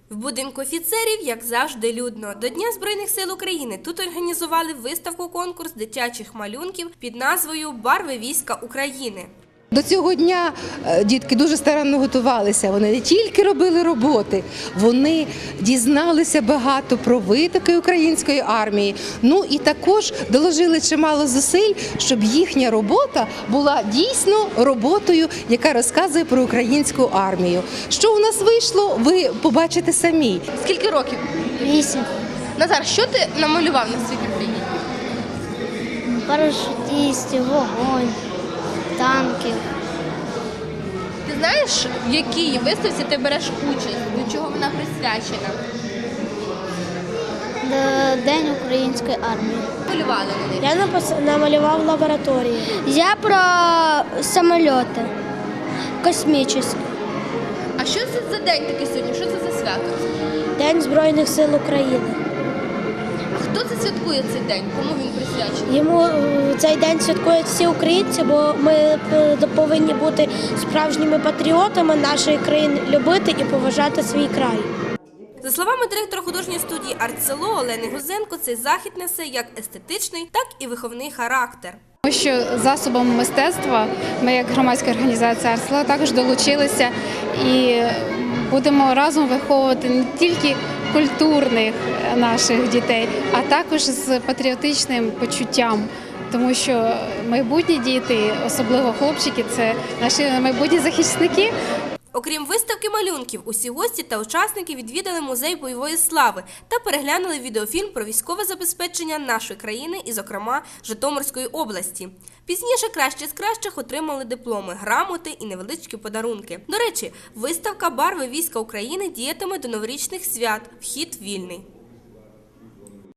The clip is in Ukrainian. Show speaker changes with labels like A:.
A: В будинку офіцерів, як завжди, людно. До Дня Збройних сил України тут організували виставку-конкурс дитячих малюнків під назвою «Барви війська України».
B: До цього дня дітки дуже старанно готувалися. Вони не тільки робили роботи, вони дізналися багато про витоки української армії. Ну і також доложили чимало зусиль, щоб їхня робота була дійсно роботою, яка розказує про українську армію. Що у нас вийшло, ви побачите самі.
A: Скільки років?
C: 8.
A: Назар, що ти намалював на свій картині?
C: Парашутистів, вогонь, танків.
A: Ти знаєш, в якій виставці ти береш участь? До чого вона присвячена?
C: День української армії.
A: Малювали вони.
C: Я намалював лабораторію. Я про самоліти космічні.
A: А що це за день такий сьогодні? Що це за свято?
C: День Збройних сил України.
A: А хто це святкує цей день? Кому він присвячений?
C: Йому цей день святкують всі українці, бо ми повинні бути справжніми патріотами нашої країни, любити і поважати свій край.
A: За словами директора художньої студії «Артсело» Олени Гузенко, цей захід несе як естетичний, так і виховний характер.
D: Тому що засобом мистецтва ми, як громадська організація «Артсело», також долучилися і будемо разом виховувати не тільки культурних наших дітей, а також з патріотичним почуттям. Тому що майбутні діти, особливо хлопчики, це наші майбутні захисники.
A: Окрім виставки малюнків, усі гості та учасники відвідали музей бойової слави та переглянули відеофільм про військове забезпечення нашої країни і, зокрема, Житомирської області. Пізніше кращі з кращих отримали дипломи, грамоти і невеличкі подарунки. До речі, виставка «Барви війська України» діятиме до новорічних свят. Вхід вільний.